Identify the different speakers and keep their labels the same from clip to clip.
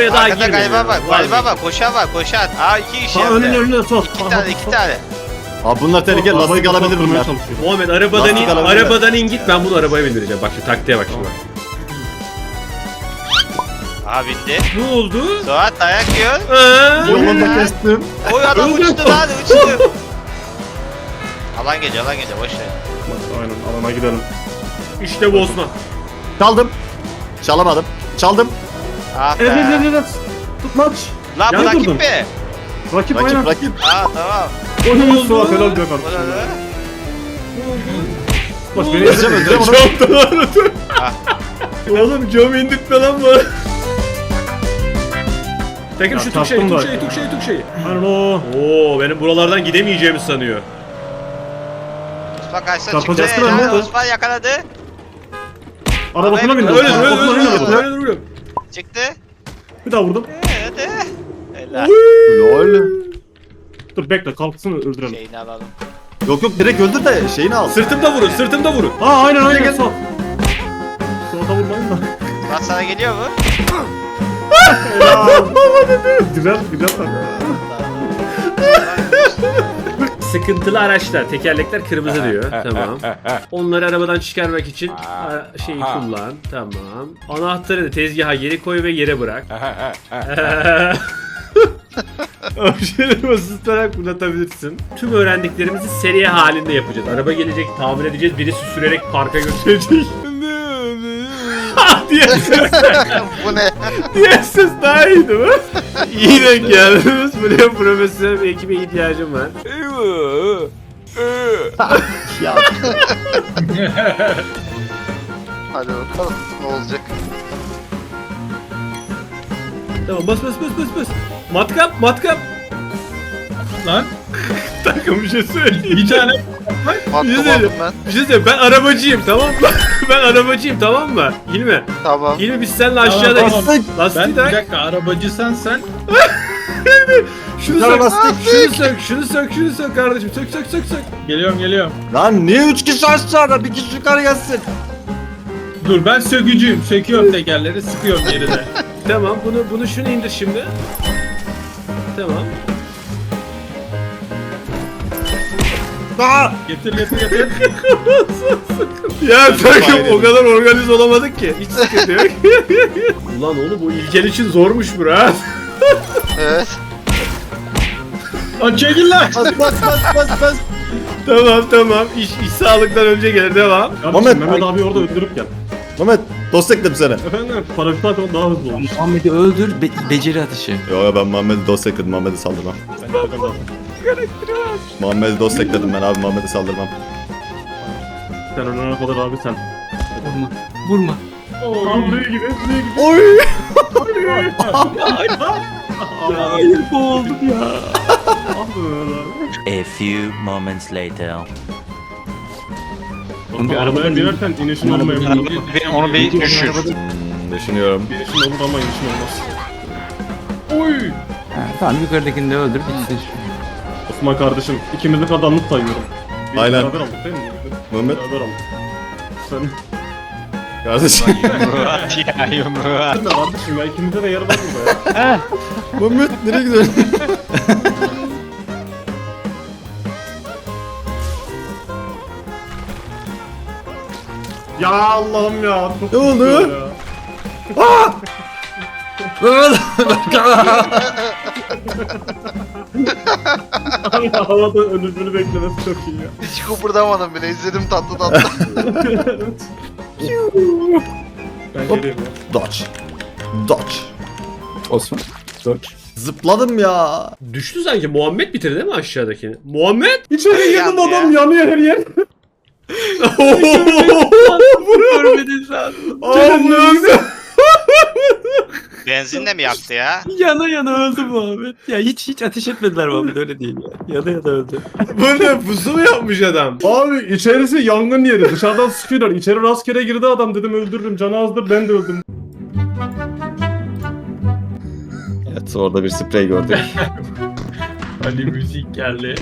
Speaker 1: oraya daha
Speaker 2: Arkada
Speaker 1: girmeyin.
Speaker 2: galiba var. Koşan. Aa 2 kişi yaptı.
Speaker 3: Önüne sol.
Speaker 2: 2 tane.
Speaker 4: Abi bunlar tehlikeli, lastik alabilir bunlar.
Speaker 1: Muhammed arabadan in,
Speaker 4: Lastik alabilir.
Speaker 1: arabadan in git, ben bunu arabaya bindireceğim. Bak şu taktiğe bak şimdi.
Speaker 2: Aha bindi.
Speaker 1: Ne oldu?
Speaker 2: Suat dayak yiyor.
Speaker 4: Yolunda kestim.
Speaker 2: Oy adam uçtu lan uçtu. Alan geliyor boş ver.
Speaker 3: Aynen alana gidelim.
Speaker 1: İşte bu Osman.
Speaker 4: Çaldım. Çalamadım. Çaldım.
Speaker 2: Ah be.
Speaker 3: Evet. Tutmaç.
Speaker 2: Lan bu
Speaker 3: Yan
Speaker 2: rakip
Speaker 3: durdum.
Speaker 2: mi?
Speaker 3: Rakip aynen.
Speaker 4: Rakip.
Speaker 2: Aa tamam.
Speaker 3: Oyunun Suat helal be
Speaker 2: Bu ne
Speaker 3: kardeşim.
Speaker 2: lan?
Speaker 3: Bak beni
Speaker 4: Öleceğim onu.
Speaker 1: Oğlum cam indirtme lan bu. Tekim
Speaker 3: Ya,
Speaker 1: şu
Speaker 3: çarptım da.
Speaker 1: tuk şeyi.
Speaker 3: Aynen o.
Speaker 1: Oo, benim buralardan gidemeyeceğimi sanıyor.
Speaker 2: Osman kaçta çıktı.
Speaker 3: Çarpacaksın lan,
Speaker 2: Helal,
Speaker 3: ne?
Speaker 2: Osman yakaladı.
Speaker 3: Arabasına bindim.
Speaker 2: Öyle,
Speaker 3: Arabasına bindim.
Speaker 1: Öyle.
Speaker 2: Çıktı.
Speaker 3: Bir daha vurdum.
Speaker 2: Hadi. Helal.
Speaker 4: Lol.
Speaker 3: Dur bekle kalksın öldürelim.
Speaker 2: Şeyini alalım.
Speaker 4: Yok direkt öldür de şeyini al.
Speaker 1: Sırtımda vurun.
Speaker 3: Aa aynen Suat. Suat'a vurmayın da.
Speaker 2: Suat sana geliyor mu?
Speaker 3: Güzel.
Speaker 1: Sıkıntılı araçlar, tekerlekler kırmızı diyor. Tamam. Onları arabadan çıkarmak için şeyi kullan. Tamam. Anahtarı da tezgaha geri koy ve yere bırak. Objeleri basılı tutarak fırlatabilirsin. Tüm öğrendiklerimizi seriye halinde yapacağız. Araba gelecek, tamir edeceğiz, birisi sürerek parka götürecek. diye ses.
Speaker 2: Bu ne?
Speaker 1: Diye ses daha iyiydi mi? İyi denk geldiniz. Buraya profesyonel bir ekibe ihtiyacım var.
Speaker 4: Ya.
Speaker 2: Hadi bakalım ne olacak.
Speaker 1: Tamam bas. Matkap.
Speaker 5: Lan
Speaker 1: Takım bir şey söyleyeyim.
Speaker 5: bir tane
Speaker 2: Matkap aldım ben.
Speaker 1: Bir şey söyleyeyim. Ben arabacıyım tamam mı? Ben arabacıyım tamam mı? Hilmi.
Speaker 2: Tamam.
Speaker 1: Hilmi biz seninle aşağıda
Speaker 5: Tamam.
Speaker 1: lastiği
Speaker 5: ben bir
Speaker 1: tak.
Speaker 5: dakika arabacısan sen
Speaker 1: Şunu sök. Şunu sök kardeşim. Sök.
Speaker 5: geliyorum.
Speaker 4: Lan niye 3 kişi aşağıda, bir kişi yukarı gelsin?
Speaker 5: Dur ben sökücüyüm. Söküyorum tekerleri sıkıyorum yerine.
Speaker 1: Tamam bunu şunu indir şimdi. Tamam.
Speaker 5: Getir.
Speaker 1: Ya takım o kadar organize olamadık ki. Hiç sıkıntı yok. Ulan oğlum bu İlker için zormuş bura.
Speaker 2: Evet.
Speaker 5: Lan çekil lan.
Speaker 4: Bas.
Speaker 1: Tamam. İş sağlıktan önce gelir devam.
Speaker 4: Mehmet.
Speaker 3: Mehmet abi orada öldürüp gel.
Speaker 4: Mehmet dost ekledim seni.
Speaker 3: Efendim paraşüt atmak daha hızlı olur.
Speaker 6: Muhammed'i öldür, beceri atışı.
Speaker 4: Yo ben Muhammed'i dost ekledim, Muhammed'i saldırmam. Muhammed'i dost ekledim ben abi, Muhammed'i saldırmam.
Speaker 3: Sen önüne kadar abi sen.
Speaker 6: Vurma.
Speaker 3: Tam buraya gibi.
Speaker 4: Oy!
Speaker 6: Hayır boğuldum ya.
Speaker 3: Ah be Mehmet abi.
Speaker 7: A few moments later.
Speaker 3: Oğlum bir arabaya binerken inişin olmayabilir.
Speaker 2: Onu bir düşür.
Speaker 4: Düşünüyorum.
Speaker 3: İnişin olur ama inişin olmaz.
Speaker 6: Ha, tamam yukarıdakini de öldür bitsin.
Speaker 3: Osman kardeşim ikimizi kazandık sayıyorum. Biz
Speaker 4: Aynen.
Speaker 3: Beraber aldık değil mi?
Speaker 4: Mehmet
Speaker 3: Beraber aldık. Sen
Speaker 4: kardeşim.
Speaker 2: Murat ya yumruğa.
Speaker 3: ne kardeşim ya ikimizde de yer var burada ya.
Speaker 4: Mehmet nereye gidiyorsun?
Speaker 3: Ya Allah'ım ya. Çok
Speaker 4: Ne oldu?
Speaker 3: güzel ya. Abi havada ölümünü beklemesi çok iyi ya.
Speaker 2: Hiç kıpırdamadım bile izledim tatlı.
Speaker 3: Ben
Speaker 4: Hop.
Speaker 3: geleyim ya.
Speaker 4: Dodge.
Speaker 6: Osman.
Speaker 4: Zıpladım ya.
Speaker 1: Düştü sanki. Muhammed bitirdi değil mi aşağıdakini? Muhammed?
Speaker 3: İçeri girdim
Speaker 2: Yandı
Speaker 3: adam yanıyor her yer.
Speaker 6: Görmedin sen.
Speaker 1: Allah'ım.
Speaker 2: Benzinle mi yaktı ya?
Speaker 6: Yana öldü Muhammed. Ya hiç ateş etmediler Muhammed öyle değil ya. Yana öldü.
Speaker 1: Bu ne? Pusu mu yapmış adam?
Speaker 3: Abi içerisi yangın yeri. Dışarıdan sıkıyorlar. İçeri rastgele girdi adam dedim öldürürüm. Canı azdır ben de öldüm.
Speaker 4: Evet orada bir sprey gördük.
Speaker 5: Ali müzik geldi.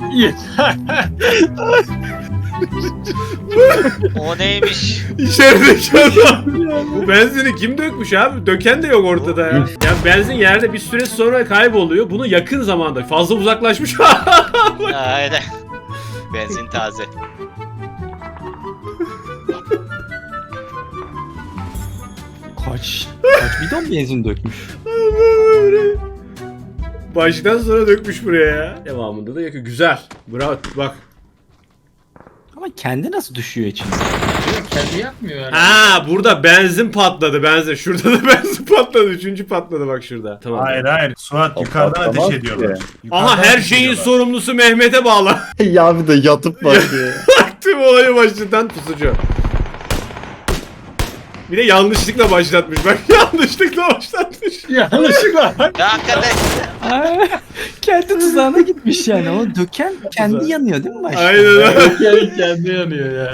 Speaker 2: O neymiş?
Speaker 1: İçerideki adam. Bu benzini kim dökmüş abi? Döken de yok ortada ya. Ya benzin yerde bir süre sonra kayboluyor. Bunu yakın zamanda fazla uzaklaşmış.
Speaker 2: Aynen. Benzin taze.
Speaker 6: Kaç bidon benzin dökmüş.
Speaker 1: Baştan sonra dökmüş buraya ya. Devamında da yakıyor. Güzel. Bravo. Bak.
Speaker 6: Ama kendi nasıl düşüyor içine?
Speaker 5: Kendi yapmıyor yani.
Speaker 1: Ha burada benzin patladı. Benzin. Şurada da benzin patladı. Üçüncü patladı bak şurada. Tamam.
Speaker 8: Hayır. Suat yukarıdan
Speaker 4: Patlamaz
Speaker 8: ateş ediyorlar.
Speaker 4: ki.
Speaker 1: Aha
Speaker 8: Yukarıdan
Speaker 1: her
Speaker 8: ateş
Speaker 1: şeyin
Speaker 8: ediyorlar.
Speaker 1: sorumlusu Mehmet'e bağlı.
Speaker 4: Ya bir de yatıp bak ya.
Speaker 1: Tüm olayı başlatan pusucu. Bir de yanlışlıkla başlatmış. Bak yanlışlıkla başlatmış.
Speaker 5: Yanlışlıkla.
Speaker 2: Ya hakikaten.
Speaker 6: Kendi tuzağına gitmiş yani. O döken kendi yanıyor değil mi başta?
Speaker 1: Aynen öyle.
Speaker 5: Kendi yanıyor ya.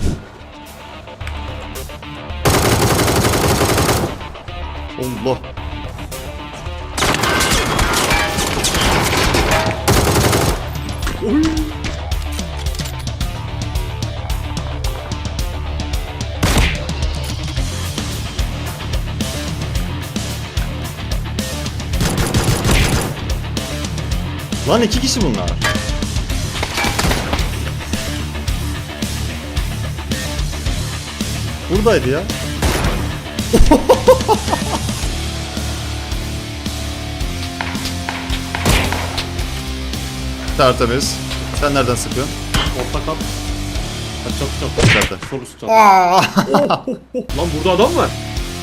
Speaker 4: Allah. Lan 2 kişi bunlar. Buradaydı ya. Tertemiz. Sen nereden sıkıyorsun?
Speaker 3: Orta kat. Çok
Speaker 4: İçeride.
Speaker 3: sol üst kat.
Speaker 1: Lan burada adam var.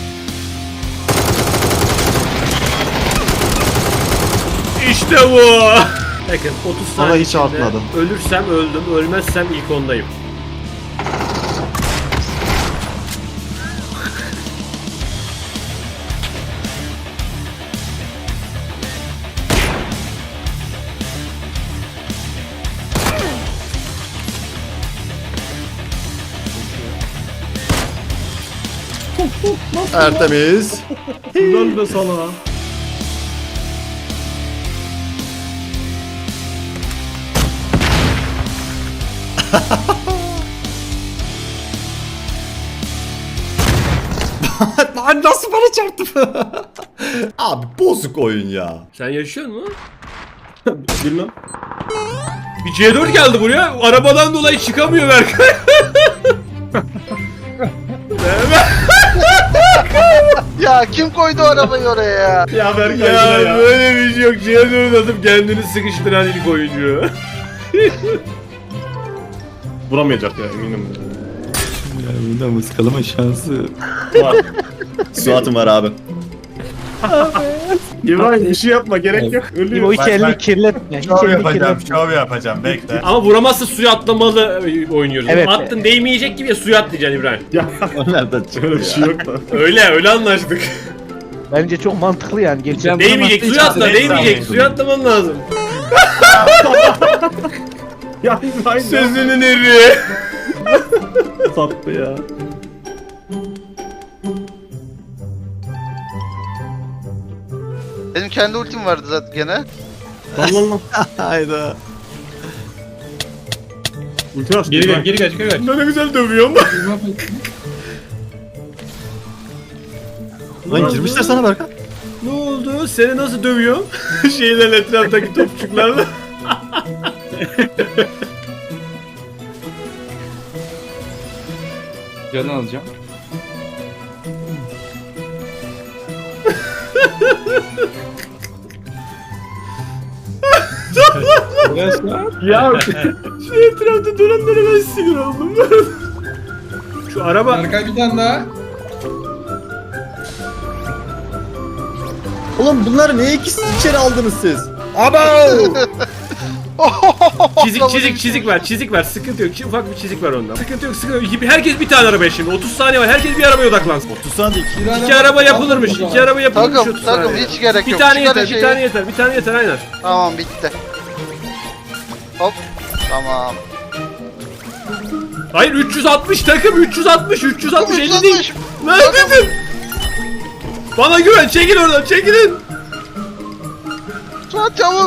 Speaker 1: İşte bu. Bakın 30
Speaker 4: Ama
Speaker 1: saniye
Speaker 4: hiç
Speaker 1: içinde
Speaker 4: artmadım.
Speaker 1: ölürsem öldüm, ölmezsem ilk ondayım.
Speaker 4: Tertemiz.
Speaker 3: Helal be sana.
Speaker 4: Lan nasıl bana çarptı? Abi bozuk oyun ya.
Speaker 1: Sen yaşıyor musun?
Speaker 3: Bilmem.
Speaker 1: Bir C4 geldi buraya. Arabadan dolayı çıkamıyor Berkay.
Speaker 2: Ya kim koydu arabayı oraya ya?
Speaker 3: Ya Berkay
Speaker 1: Ya
Speaker 3: ya.
Speaker 1: böyle bir şey yok. C4 atıp kendini sıkıştıran ilk oyuncu.
Speaker 3: Vuramayacak ya eminim.
Speaker 6: Ya bundan ıskalama şansı.
Speaker 3: Var.
Speaker 4: Suat'ım var abi.
Speaker 3: İbrahim bir şey yapma gerek yok. Ölüyor.
Speaker 8: Bak, bak.
Speaker 6: kirletme.
Speaker 8: Şov yapacağım bekle.
Speaker 1: Ama vuramazsa suya atlamalı oynuyoruz.
Speaker 6: Evet.
Speaker 1: Attın değmeyecek gibi ya suya atlayacaksın İbrahim.
Speaker 3: Ya
Speaker 4: O nereden çıktı
Speaker 3: öyle bir şey yok da.
Speaker 1: Öyle anlaştık.
Speaker 9: Bence çok mantıklı yani. Gerçekten.
Speaker 1: Değmeyecek suya atla değmeyecek suya atlaman lazım.
Speaker 3: Ya İbrahim
Speaker 1: Sözünün eri.
Speaker 3: sattı ya.
Speaker 2: Benim kendi ultim vardı zaten gene.
Speaker 3: Lan.
Speaker 4: Hayda.
Speaker 3: Ulti açtı.
Speaker 5: Geri
Speaker 3: İbrahim.
Speaker 5: kaç.
Speaker 1: Ne güzel dövüyorum.
Speaker 4: Lan girmişler sana Berkan.
Speaker 1: Ne oldu? Seni nasıl dövüyorum? Şeyler etraftaki topçuklarla.
Speaker 6: Canı alacağım.
Speaker 3: Ya
Speaker 1: Şu etrafta duranlara ben sinir oldum. Şu araba...
Speaker 5: Arka bir tane daha.
Speaker 4: Oğlum bunları niye ikisi içeri aldınız siz?
Speaker 1: Çizik var. Sıkıntı yok. Ufak bir çizik var onda. Sıkıntı yok. Herkes bir tane arabaya şimdi. 30 saniye var. Herkes bir arabaya odaklansın.
Speaker 4: 30 saniye.
Speaker 1: İki araba yapılırmış. 30
Speaker 2: Takım
Speaker 1: saniye.
Speaker 2: hiç gerek
Speaker 1: Bir
Speaker 2: yok.
Speaker 1: tane
Speaker 2: Çıkar
Speaker 1: yeter,
Speaker 2: şeyi.
Speaker 1: bir tane yeter aynen.
Speaker 2: Tamam bitti. Hop. Tamam.
Speaker 1: Hayır 360 takım 360 50 değil.
Speaker 2: 360.
Speaker 1: Neredesin? Bana güven çekil oradan çekilin.
Speaker 2: Suat çabuk.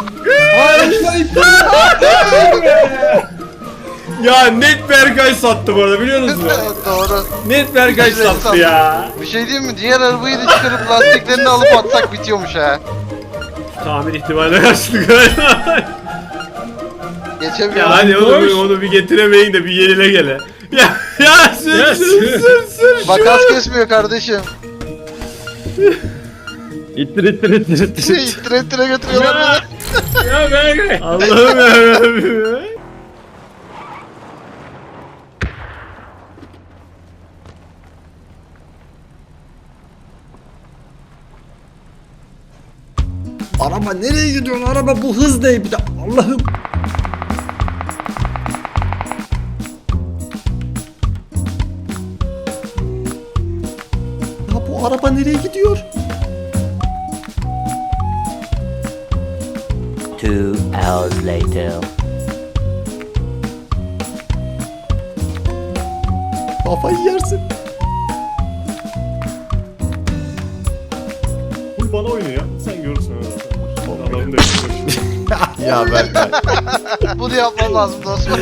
Speaker 4: Ya net Berkay sattı bu arada biliyor musunuz?
Speaker 2: Doğru.
Speaker 4: Net Berkay sattı ya.
Speaker 2: Bir şey diyeyim mi? Diğer arabayı da çıkarıp lastiklerini alıp atsak bitiyormuş ha.
Speaker 1: Tahmin ihtimaline karşılık galiba.
Speaker 2: Geçemiyorum.
Speaker 1: Ya hadi onu bir getiremeyin de bir yenile gele. Ya sür.
Speaker 2: Bak az kesmiyor kardeşim.
Speaker 6: İttir.
Speaker 2: İttire ittire götürüyorlar beni.
Speaker 5: Ya Berkay.
Speaker 1: Allah'ım yarabbim.
Speaker 4: Araba nereye gidiyorsun? Araba bu hız değil bir de. Allah'ım. Ya bu araba nereye gidiyor?
Speaker 7: 2 hours later.
Speaker 4: Kafayı yersin.
Speaker 3: Bu bana oynuyor. Sen görürsün öyle. Adamın da yapıyor.
Speaker 4: Ya Berkay.
Speaker 2: Bunu yapmam lazım Osman.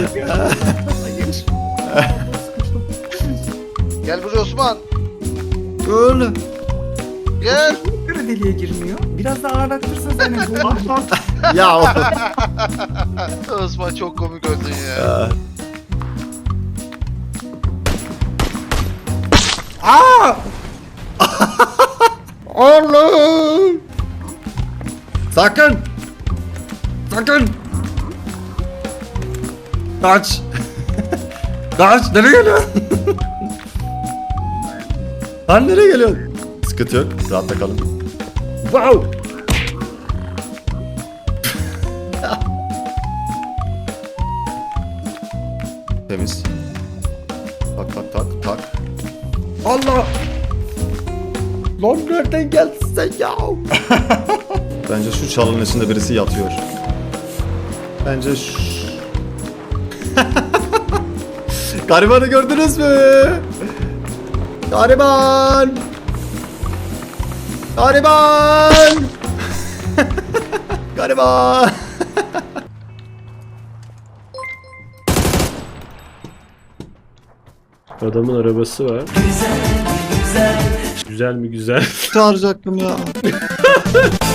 Speaker 2: Gel buraya Osman.
Speaker 4: Öyle.
Speaker 2: Gel.
Speaker 6: Kırı deliğe girmiyor. Biraz daha ağırlattırsan seni.
Speaker 4: Ya o.
Speaker 2: Osman çok komik öldün ya.
Speaker 4: Aa! Oğlum! Sakın! Sakın! Kaç! Kaç! Nereye geliyorsun? Lan nereye geliyorsun? Sıkıntı yok. Rahatta kalın. Wow! Temiz. Tak. Allah! Lan nereden geldin sen ya? Bence şu çalının içinde birisi yatıyor. Bence şu... Garibanı gördünüz mü? Gariban! Gariban! Gariban!
Speaker 1: Adamın arabası var. Güzel mi güzel?
Speaker 4: Çağıracaktım ya.